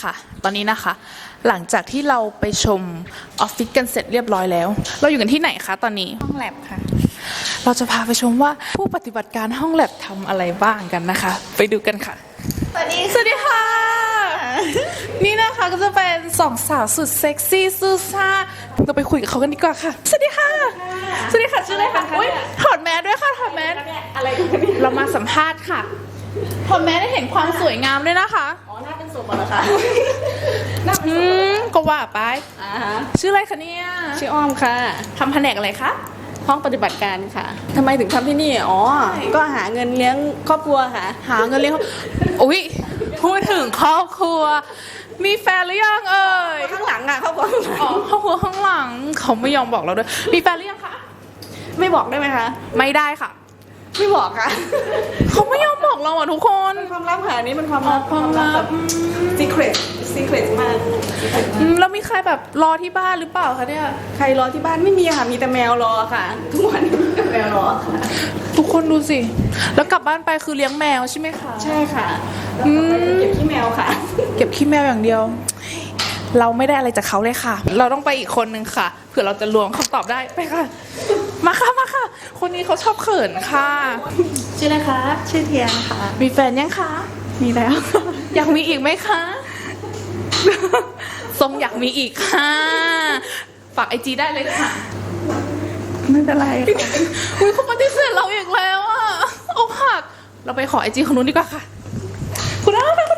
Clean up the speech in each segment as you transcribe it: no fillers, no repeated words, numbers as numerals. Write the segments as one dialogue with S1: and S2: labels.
S1: ค่ะ ตอนนี้นะคะ หลังจากที่เราไปชมออฟฟิศกันเสร็จเรียบร้อยแล้ว เราอยู่กันที่ไหนคะตอนนี้
S2: ห้องแลบค่ะ
S1: เราจะพาไปชมว่าผู้ปฏิบัติการห้องแลบทำอะไรบ้างกันนะคะ ไปดูกันค่ะ
S2: สวัสดี
S1: ค่ะ นี่นะคะก็จะเป็นสองสาวสุดเซ็กซี่ซูซ่าเราไปคุยกับเขากันดีกว่าค่ะสวัสดีค่ะสวัสดีค่ะชื่ออะไรคะถอดแมสด้วยค่ะถอดแมส
S2: อะไรกันเนี่ย
S1: เรามาสัมภาษณ์ค่ะถอดแมสได้เห็นความสวยงามด้วยนะคะ
S2: อ๋อหน้าเป็นศพเหรอคะ
S1: ก็ว่าไปชื่ออะไรคะเนี่ย
S2: ชื่ออ้อมค่ะ
S1: ทำแผนกอะไรคะ
S2: ห้องปฏิบัติการค่ะทำไมถึงทำที่นี่อ๋อก็หาเงินเลี้ยงครอบครัวค่ะ
S1: หาเงินเลี้ยงอุ๊ยพูดถึงครอบครัวมีแฟนหรือยังเอ่ย
S2: ข้างหลังอ่ะครอบครัว
S1: อ๋อครอบครัวข้างหลังเขาไม่ยอมบอกเราด้วยมีแฟนหรือยังคะ
S2: ไม่บอกได้ไหมคะ
S1: ไม่ได้ค่ะ
S2: ไม่บอกค่ะ
S1: เขาไม่ยอมบอกเราอ่ะทุกคน
S2: เป็นความลับค่ะนี่เป็นความลับ secret มาก
S1: แล้วมีใครแบบรอที่บ้านหรือเปล่าคะเนี่ย
S2: ใครรอที่บ้านไม่มีค่ะมีแต่แมวรอค่ะทุกวันมีแต่แมวรอค่ะ
S1: ทุกคนดูสิแล้วกลับบ้านไปคือเลี้ยงแมวใช่ไหมคะ
S2: ใช่ค่ะเก็บขี้แมวค่ะ
S1: เก็บขี้แมวอย่างเดียวเราไม่ได้อะไรจากเขาเลยค่ะเราต้องไปอีกคนนึงค่ะเผื่อเราจะลวงคำตอบได้ไปค่ะมาค่ะคนนี้เขาชอบเขินค่ะ
S2: ชื่ออะไรคะชื่อเทียนค่ะ
S1: มีแฟนยังคะ
S2: มีแล้ว
S1: อยากมีอีกไหมคะทรงอยากมีอีกค่ะฝากIGได้เลยค่ะ
S2: ไม่เป็นไรค่ะ
S1: อุ้ยเขาปฏิเสธเราอีกแล้วอ่ะโอ้หักเราไปขอIGคนนู้นดีกว่าค่ะคุณน้องค่ะ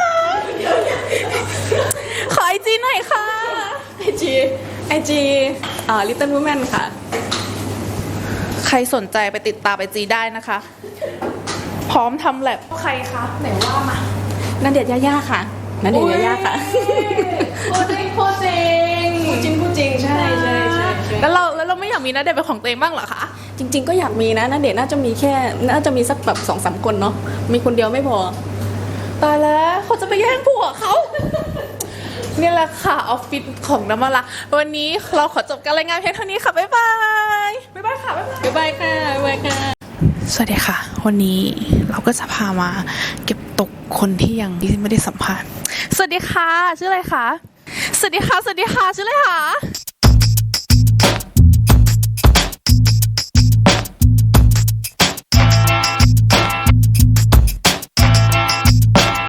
S1: ขอIGหน่อยค่ะ
S2: IG Little Woman ค่ะ
S1: ใครสนใจไปติดตามIGได้นะคะพร้อมทำแลบใครคะไหนว่ามา
S2: ณเดชน์ย่าค่ะณเดชน์ย่าค่ะ
S1: พูดจริง
S2: ใช่
S1: แล้วเราไม่อยากมีณเดชน์เป็นของตัวเองบ้างเหรอคะ
S2: จริงๆก็อยากมีนะณเดชน์น่าจะมีสักแบบ2-3 คนเนาะมีคนเดียวไม่พอ
S1: ตายแล้วเขาจะไปแย่งผัวเขานี่แหละค่ะออฟฟิศของน้ำมันละวันนี้เราขอจบการรายงานเพียงเท่านี้ค่ะบ๊ายบายค่ะ
S2: บ๊ายบายค่ะ
S1: สวัสดีค่ะวันนี้เราก็จะพามาเก็บตกคนที่ยังไม่ได้สัมภาษณ์สวัสดีค่ะชื่ออะไรคะสวัสดีค่ะชื่ออะไรคะ